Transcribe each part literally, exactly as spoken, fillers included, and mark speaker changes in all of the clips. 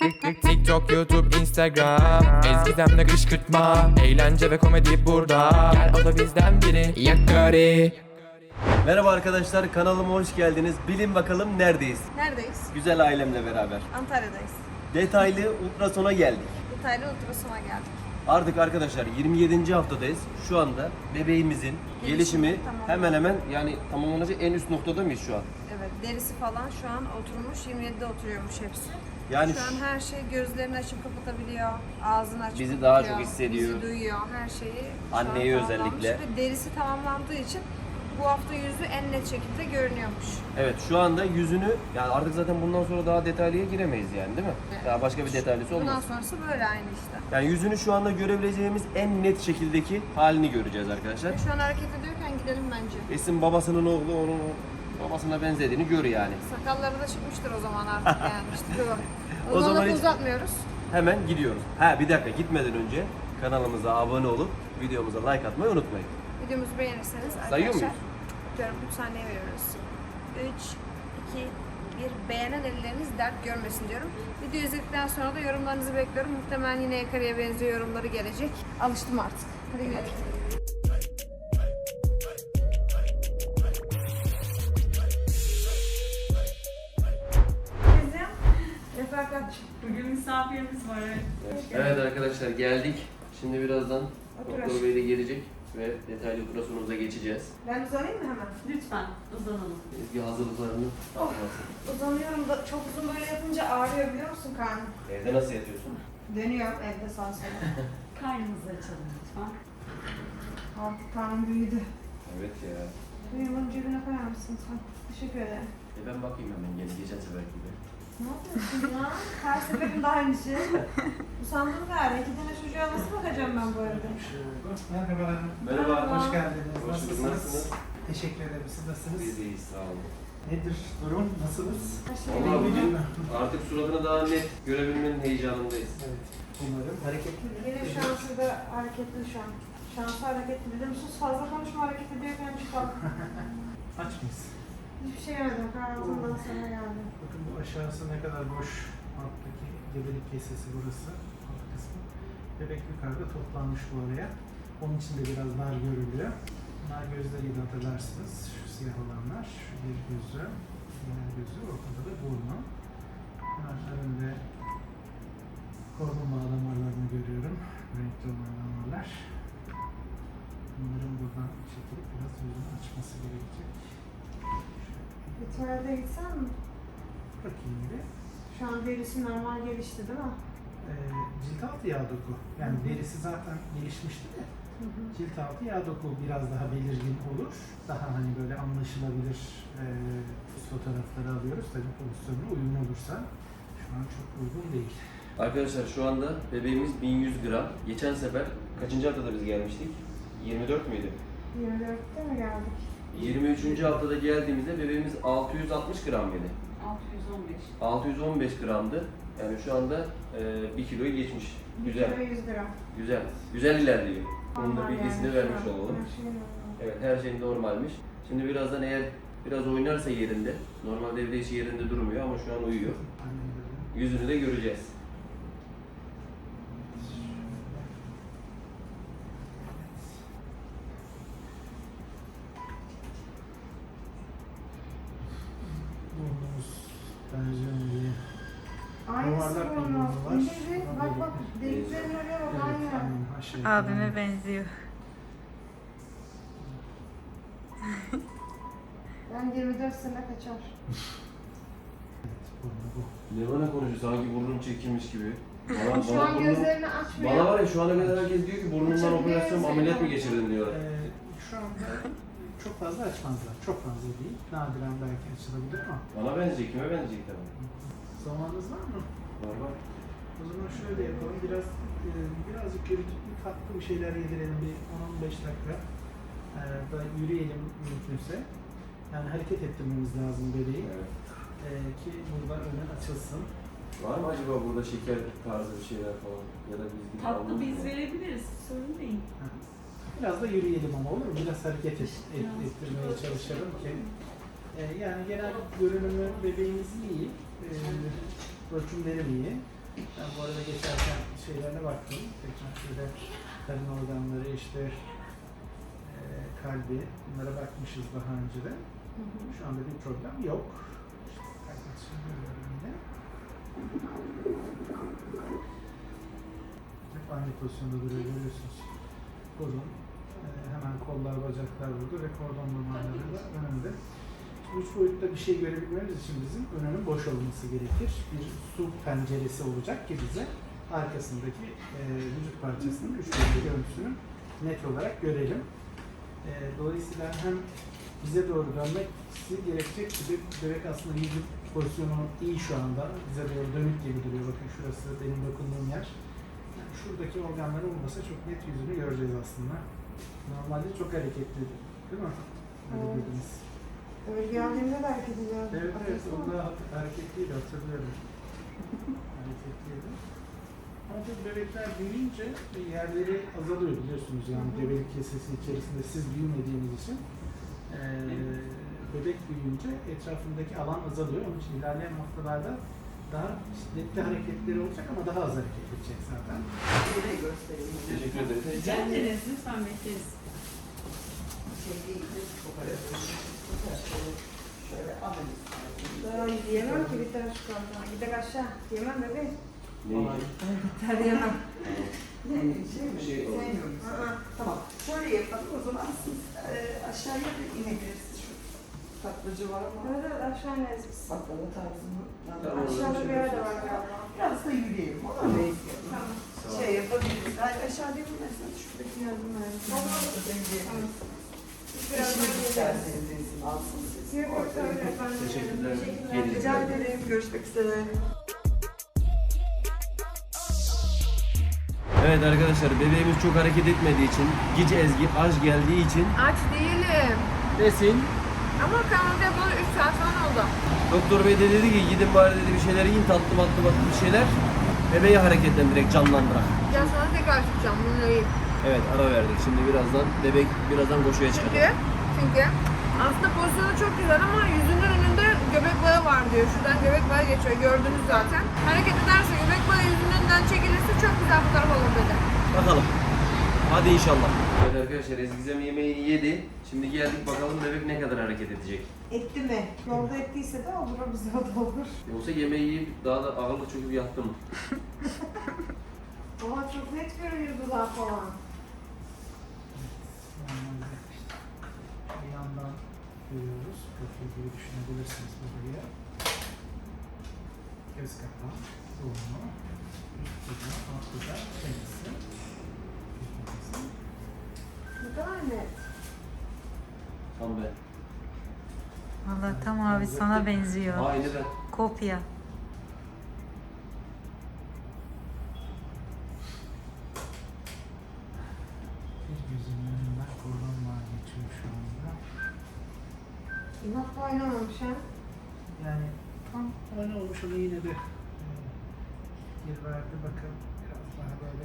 Speaker 1: TikTok, YouTube, Instagram, Ezgizem'le kışkırtma, eğlence ve komedi burada. Gel o da bizden biri, Yakari.
Speaker 2: Merhaba arkadaşlar, kanalıma hoş geldiniz. Bilin bakalım neredeyiz?
Speaker 3: Neredeyiz?
Speaker 2: Güzel ailemle beraber.
Speaker 3: Antalya'dayız.
Speaker 2: Detaylı ultrasona geldik.
Speaker 3: Detaylı ultrasona geldik.
Speaker 2: Artık arkadaşlar yirmi yedinci haftadayız. Şu anda bebeğimizin
Speaker 3: Gelişimi
Speaker 2: gelişimi
Speaker 3: tamam.
Speaker 2: hemen hemen yani tamamlanacak en üst noktada mıyız şu an?
Speaker 3: Evet, derisi falan şu an oturmuş, yirmi yedide oturuyormuş hepsi.
Speaker 2: Yani
Speaker 3: Şu an her şey gözlerini açıp kapatabiliyor, ağzını açıp
Speaker 2: Bizi
Speaker 3: kapatıyor,
Speaker 2: daha çok hissediyor.
Speaker 3: bizi duyuyor, her şeyi şu an
Speaker 2: Anneyi
Speaker 3: tamamlanmış
Speaker 2: özellikle.
Speaker 3: Ve derisi tamamlandığı için bu hafta yüzü en net şekilde görünüyormuş.
Speaker 2: evet şu anda yüzünü yani artık zaten bundan sonra daha detaylıya giremeyiz yani değil mi?
Speaker 3: Evet.
Speaker 2: Daha başka bir detaylısı
Speaker 3: Bundan
Speaker 2: olmaz.
Speaker 3: sonrası böyle aynı işte.
Speaker 2: Yani yüzünü şu anda görebileceğimiz en net şekildeki halini göreceğiz arkadaşlar.
Speaker 3: Şu an hareket ediyorken gidelim bence.
Speaker 2: Esin babasının oğlu onun babasına benzediğini gör yani.
Speaker 3: Sakalları da çıkmıştır o zaman artık yani işte. O,
Speaker 2: O
Speaker 3: o
Speaker 2: zaman
Speaker 3: zaman
Speaker 2: hiç-
Speaker 3: uzatmıyoruz.
Speaker 2: Hemen gidiyoruz. Ha bir dakika gitmeden önce kanalımıza abone olup videomuza like atmayı unutmayın.
Speaker 3: Videomuzu beğenirseniz
Speaker 2: Sayıyor
Speaker 3: arkadaşlar
Speaker 2: muyuz?
Speaker 3: diyorum üç saniye veriyoruz. üç, iki, bir beğenen elleriniz dert görmesin diyorum. Video izledikten sonra da yorumlarınızı bekliyorum. Muhtemelen yine Yakari'ye benziyor yorumları gelecek. Alıştım artık. Hadi gidelim. Teyzem, refakat.
Speaker 4: Bugün misafirimiz var. Evet.
Speaker 2: Evet arkadaşlar geldik. Şimdi birazdan
Speaker 3: Otur
Speaker 2: Doktor
Speaker 3: aşkım.
Speaker 2: Bey de gelecek ve detaylı ultrasonumuza geçeceğiz.
Speaker 3: Ben uzanayım mı hemen?
Speaker 4: Lütfen uzanalım.
Speaker 2: Ezgi hazırlıklarını yapmasın.
Speaker 3: Uzanıyorum da çok uzun böyle yapınca ağrıyor biliyor musun karnım?
Speaker 2: Evde nasıl yatıyorsun?
Speaker 3: Dönüyorum evde sağa sola.
Speaker 4: Karnımızı açalım lütfen.
Speaker 3: Artık karnım büyüdü.
Speaker 2: Evet ya.
Speaker 3: Duyumun cebine koyar mısın sen? Teşekkür ederim.
Speaker 2: E ben bakayım hemen gene geçen sefer gibi.
Speaker 3: Ne yapıyorsun ya? Her seferinde aynı şey. Usandım galiba. İki tane çocuğa nasıl bakacağım ben bu evde?
Speaker 5: Merhabalar.
Speaker 2: Merhaba.
Speaker 5: Hoş geldiniz.
Speaker 2: Hoş bulduk.
Speaker 5: Nasılsınız?
Speaker 2: Nasılsınız?
Speaker 5: Teşekkür ederim. Siz nasılsınız?
Speaker 2: Biz iyiyiz sağ olun.
Speaker 5: Nedir durum? Nasılsınız?
Speaker 3: Her şey
Speaker 2: Vallahi
Speaker 3: benim.
Speaker 2: bugün artık suratını daha net görebilmenin heyecanındayız.
Speaker 5: Evet. Umarım hareketli bir
Speaker 3: Benim şansı da hareketli şu an. Şansı hareketli. Biliyor musunuz? Fazla konuşma hareket ediyorken çıkalım.
Speaker 5: Aç mıyız?
Speaker 3: Hiçbir şey yemedim. Kahvaltımdan sonra geldim.
Speaker 5: Bakın bu aşağısı ne kadar boş. Alttaki gebelik kesesi burası. Alt kısmı. Bebek yukarıda toplanmış bu oraya. Onun için de biraz dar görülüyor. Bunlar gözleriyle hatırlarsınız. Şu siyah olanlar. Şu bir gözü. Diğer gözü. Ortada da burnu. Kenarlarında hormon bağlamalarını görüyorum. Renkli olan damarlar. Bunların buradan çekilip biraz yüzünü açması gerekecek.
Speaker 3: Bir tuvalete gitsen mi?
Speaker 5: Bakayım bir.
Speaker 3: Şu an derisi normal gelişti değil mi?
Speaker 5: Ee, cilt altı yağ doku. Yani derisi zaten gelişmişti de.
Speaker 3: Hı hı.
Speaker 5: Cilt altı yağ doku biraz daha belirgin olur. Daha hani böyle anlaşılabilir e, fotoğrafları alıyoruz. Tabii pozisyonuna uyumlu olursa. Şu an çok uygun değil.
Speaker 2: Arkadaşlar şu anda bebeğimiz bin yüz gram. Geçen sefer kaçıncı haftada biz gelmiştik? yirmi dört müydü?
Speaker 3: yirmi dörtte mi geldik?
Speaker 2: yirmi üçüncü haftada geldiğimizde bebeğimiz altı yüz altmış gram mıydı?
Speaker 4: altı yüz on beş.
Speaker 2: altı yüz on beş gramdı. Yani şu anda e, bir kiloyu geçmiş. Güzel.
Speaker 3: bir kilo yüz gram.
Speaker 2: Güzel. Güzel ilerliyor. Bunun da
Speaker 3: Normal
Speaker 2: bilgisini
Speaker 3: yani
Speaker 2: vermiş
Speaker 3: şu an.
Speaker 2: olalım.
Speaker 3: Her şey normal.
Speaker 2: Evet her şey normalmiş. Şimdi birazdan eğer biraz oynarsa yerinde, normalde evde hiç yerinde durmuyor ama şu an uyuyor.
Speaker 5: Aynen böyle.
Speaker 2: Yüzünü de göreceğiz.
Speaker 5: Burnumuz bence iyi.
Speaker 3: Aynısı
Speaker 5: Yuvarlak bir
Speaker 3: burnu.
Speaker 5: burnu var.
Speaker 3: İnce bir bak bak deliklerin oraya bak aynı.
Speaker 5: Evet, aynen. Aşağı yukarı.
Speaker 4: Abime benziyor.
Speaker 3: Ben yirmi dört sene kaçar.
Speaker 5: Evet, burnu bu.
Speaker 2: Ne bana konuşuyor sanki burnum çekilmiş gibi. Bana,
Speaker 3: Şu an
Speaker 2: burnum-
Speaker 3: gözlerini açmıyor.
Speaker 2: Bana var ya şu ana kadar herkes diyor ki burnundan
Speaker 3: Açabiliyor
Speaker 2: operasyon
Speaker 3: musun?
Speaker 2: ameliyat mı geçirdin diyorlar.
Speaker 5: Ee, şu anda çok fazla açmazlar. Çok fazla değil. Nadiren belki açılabilir ama.
Speaker 2: Bana benzeyecek, kime benzeyecek tabii.
Speaker 5: Zamanınız var mı?
Speaker 2: Var var.
Speaker 5: O zaman şöyle yapalım. Biraz e, birazcık yürütüp bir tatlı bir şeyler yedirelim. Bir on on beş dakika. Ee, da yürüyelim mümkünse. Yani hareket ettirmemiz lazım bebeği.
Speaker 2: Evet.
Speaker 5: Ee, ki burada önü açılsın.
Speaker 2: Var mı acaba burada şeker tarzı bir şeyler falan ya da biz gibi
Speaker 4: Tatlı
Speaker 2: almamız
Speaker 4: biz
Speaker 2: mı?
Speaker 4: verebiliriz. Sorun değil.
Speaker 5: Biraz da yürüyelim ama olur mu? Biraz hareket et, et, ettirmeye çalışalım ki. Ee, yani genel görünümü bebeğimiz iyi. Ee, ölçümleri iyi. Ben bu arada geçerken şeylerine baktım. Tekrar şöyle karın organları, işte e, kalbi, bunlara bakmışız daha önce de. Şu anda bir problem yok. İşte kalbini görüyorum yine. Hep aynı pozisyonda duruyor, görüyorsunuz. Kolun, e, hemen kollar, bacaklar burada ve kordon damarları da önünde. Üç boyutta bir şey görebilmemiz için bizim önünün boş olması gerekir. Bir su penceresi olacak ki bize arkasındaki e, vücut parçasının üç boyutlu görüntüsünü net olarak görelim. E, dolayısıyla hem bize doğru dönmesi gerekecek gibi bebek aslında vücut pozisyonu iyi şu anda. Bize doğru dönük gibi duruyor. Bakın şurası benim dokunduğum yer. Yani şuradaki organları olmasa çok net yüzünü göreceğiz aslında. Normalde çok hareketli, değil mi? Öyle
Speaker 3: Evet.
Speaker 5: dediniz.
Speaker 3: Evet, geldiğimde de hareket ediyor.
Speaker 5: Evet, evet, o da hareketliydi, hatırlıyorum. Hareketliydi. Ama tabii bebekler büyüyünce yerleri azalıyor biliyorsunuz yani gebelik kesesi içerisinde siz büyümediğiniz için eee bebek büyüyünce etrafındaki alan azalıyor. Onun için ilerleyen haftalarda daha şiddetli hareketleri olacak ama daha az hareket edecek zaten.
Speaker 2: Teşekkür ederim.
Speaker 4: Rica ederiz. Lütfen bekleriz.
Speaker 3: Daha yiyemem ki bir tane çikolata. Bir de aşağı. Yemem bebeğim.
Speaker 2: Ne?
Speaker 3: Ter yemem.
Speaker 2: Bir şey oldu.
Speaker 3: Aa,
Speaker 6: Tamam. Şöyle yapalım o zaman siz e, aşağıya da inebilirsiniz. Şu tatlıcı var ama
Speaker 3: evet evet aşağı ineriz biz.
Speaker 6: baklava tarzını.
Speaker 2: Tamam.
Speaker 3: Aşağıda bir yer de var galiba.
Speaker 6: Biraz da yürüyelim. Ona da
Speaker 3: Tamam.
Speaker 6: şey yapabiliriz. Yani aşağıda yapılmazsanız şuradaki yardım verin.
Speaker 3: Tamam. Biraz
Speaker 6: Eşiniz
Speaker 3: daha
Speaker 6: isterseniz izin alsın siz.
Speaker 3: Yok yok
Speaker 6: Orada
Speaker 3: öyle
Speaker 6: yapın.
Speaker 3: efendim.
Speaker 2: Teşekkürler.
Speaker 3: Teşekkürler.
Speaker 6: Rica ederim. Görüşmek üzere.
Speaker 2: Evet arkadaşlar, bebeğimiz çok hareket etmediği için, Gici Ezgi aç geldiği için
Speaker 3: Aç değilim.
Speaker 2: desin.
Speaker 3: Ama kanalda yapılan üç saat falan oldu.
Speaker 2: Doktor bey de dedi ki gidin bari dedi bir şeyler yiyin, tatlı matlı matlı bir şeyler. Bebeği hareketlendirerek, canlandırak.
Speaker 3: Ya sonra tekrar çıkacağım bunu yiyip.
Speaker 2: Evet, ara verdik. Şimdi birazdan bebek birazdan koşuya
Speaker 3: Çünkü,
Speaker 2: çıkacak.
Speaker 3: çünkü aslında pozisyonu çok güzel ama yüzünün önünde göbek bağı var diyor. Şuradan göbek bağı geçiyor. Gördünüz zaten. Hareket ederse göbek bağı yüzünün önünden çekilirse çok güzel fotoğraf olur dedi.
Speaker 2: Bakalım. Hadi inşallah. Evet arkadaşlar, Ezgizem yemeğini yedi. Şimdi geldik bakalım bebek ne kadar hareket edecek.
Speaker 3: Etti mi? Yolda ettiyse de olur, o bize o da olur.
Speaker 2: Yoksa yemeği yiyip daha da ağırlık çöküp yattı mı?
Speaker 3: Ama çok net görünüyor dudağı falan.
Speaker 5: Normalde işte bir yandan görüyoruz. Profil gibi düşünebilirsiniz buraya. Göz kapağı, burnu, üst dudağı, alt dudağı, çenesi.
Speaker 3: Ne kadar net.
Speaker 2: Tam ben.
Speaker 4: Valla tam abi sana benziyor.
Speaker 2: Aynı ben.
Speaker 4: Kopya.
Speaker 5: Bir gözün önünden kordonlar geçiyor şu anda.
Speaker 3: İnatla oynamamış ha.
Speaker 5: Yani tam öyle olmuş ama yine de e, geri verdi bakın biraz daha böyle.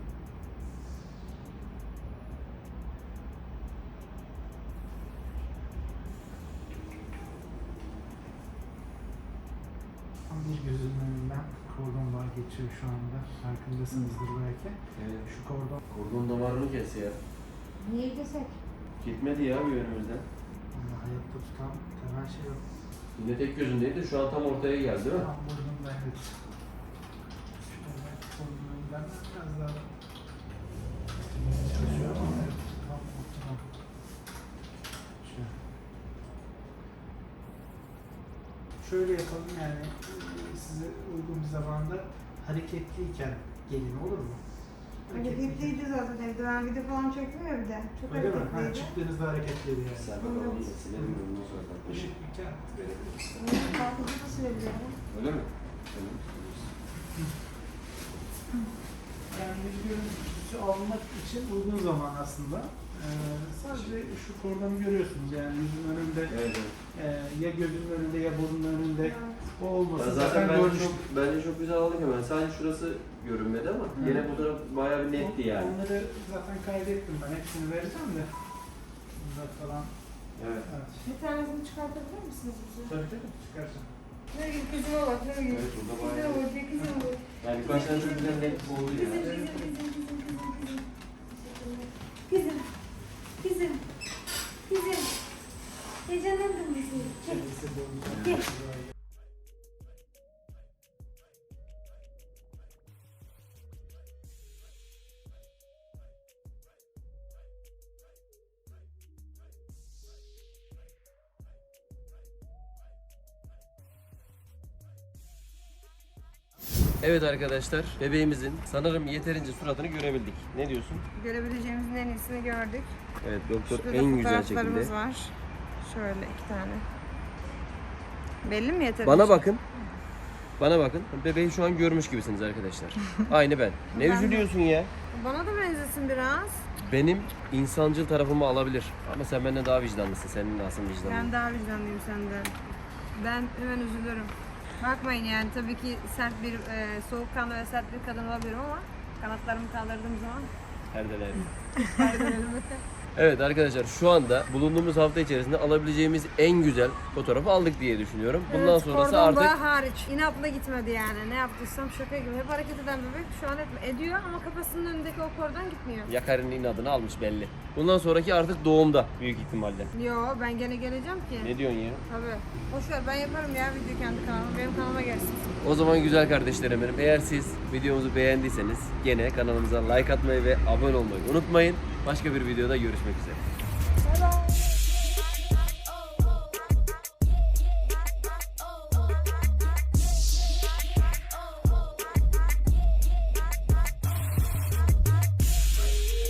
Speaker 5: Tam bir gözünün önünden kordonlar geçiyor şu anda. Farkındasınızdır belki.
Speaker 2: Evet.
Speaker 5: Şu kordon
Speaker 2: Kordon damarını kes ya.
Speaker 3: Niye desek?
Speaker 2: Gitmedi ya bir önümüzden.
Speaker 5: ama hayatta tutan temel şey yok.
Speaker 2: Yine tek gözündeydi. Şu an tam ortaya geldi değil mi?
Speaker 5: Tam burnumda evet. Şöyle burnumdan biraz daha çalışıyor ama evet, tam optimum. Şöyle. Şöyle yapalım yani e, size uygun bir zamanda hareketliyken gelin olur mu?
Speaker 3: Hareketliydi zaten evde. Ben video falan çektim ya bir de. Çok
Speaker 5: Öyle mi? Ha,
Speaker 3: hareketliydi.
Speaker 5: çıktığınızda hareketliydi yani.
Speaker 2: Sen bakalım onu da silelim mi? Ondan sonra takmış.
Speaker 5: Işık bir kağıt verebilirsin.
Speaker 3: Kalkıcı da silebiliyorum.
Speaker 2: Öyle mi? Tamam.
Speaker 5: Yani bir görüntüsü almak için uygun zaman aslında. Ee, sadece şu kordonu görüyorsunuz yani yüzün önünde,
Speaker 2: Evet, evet.
Speaker 5: e, ya gözünün önünde ya burnun önünde o olması
Speaker 2: Ben
Speaker 5: zaten,
Speaker 2: zaten bence
Speaker 5: görünüş.
Speaker 2: çok, bence çok güzel aldık hemen. Sadece şurası görünmedi ama
Speaker 5: Hı.
Speaker 2: yine bu taraf bayağı bir netti yani.
Speaker 5: Onları zaten kaydettim ben, hepsini vereceğim de. Bunlar falan.
Speaker 2: Evet.
Speaker 5: Evet.
Speaker 3: Bir tanesini çıkartabilir misiniz bize?
Speaker 5: Tabii tabii çıkaracağım.
Speaker 3: Nurgül kızıma bak Nurgül.
Speaker 2: Evet, burada bayağı-
Speaker 3: Kızıma bak ya kızıma bak.
Speaker 2: Yani birkaç tane çok güzel net oldu ya.
Speaker 3: Kızım kızım kızım kızım kızım kızım. Kızım. Kızım. Kızım. Heyecanlandın mı sen? Gel. Gel.
Speaker 2: Evet arkadaşlar, bebeğimizin sanırım yeterince suratını görebildik. Ne diyorsun?
Speaker 3: Görebileceğimizin en iyisini gördük.
Speaker 2: Evet, doktor
Speaker 3: Şurada
Speaker 2: en güzel
Speaker 3: fotoğraflarımız
Speaker 2: şekilde.
Speaker 3: var. Şöyle iki tane. Belli mi yeterince?
Speaker 2: Bana bakın. Bana bakın. Bebeği şu an görmüş gibisiniz arkadaşlar. Aynı ben. Ne
Speaker 3: Ben de.
Speaker 2: üzülüyorsun ya?
Speaker 3: Bana da benzesin biraz.
Speaker 2: Benim insancıl tarafımı alabilir. Ama sen benden daha vicdanlısın. Senin nasıl vicdanlı?
Speaker 3: Ben daha vicdanlıyım senden. Ben hemen üzülürüm. Bakmayın yani tabii ki sert bir, e, soğukkanlı ve sert bir kadın olabilirim ama kanatlarımı kaldırdığım zaman
Speaker 2: Perdelerim. Evet arkadaşlar, şu anda bulunduğumuz hafta içerisinde alabileceğimiz en güzel fotoğrafı aldık diye düşünüyorum. Bundan
Speaker 3: evet,
Speaker 2: sonrası
Speaker 3: kordon
Speaker 2: artık
Speaker 3: bağı hariç. İnatla gitmedi yani. Ne yaptıysam şaka gibi. Hep hareket eden bebek şu an hep ediyor ama kafasının önündeki o kordon gitmiyor.
Speaker 2: Yakar'ın inadını almış belli. Bundan sonraki artık doğumda büyük ihtimalle.
Speaker 3: Yo ben gene geleceğim ki.
Speaker 2: Ne diyorsun ya?
Speaker 3: Tabii. Boş ver ben yaparım ya video kendi kanalıma. Benim kanalıma gelsin.
Speaker 2: O zaman güzel kardeşlerim benim, eğer siz videomuzu beğendiyseniz gene kanalımıza like atmayı ve abone olmayı unutmayın. Başka bir videoda görüşmek üzere.
Speaker 3: Bye bye.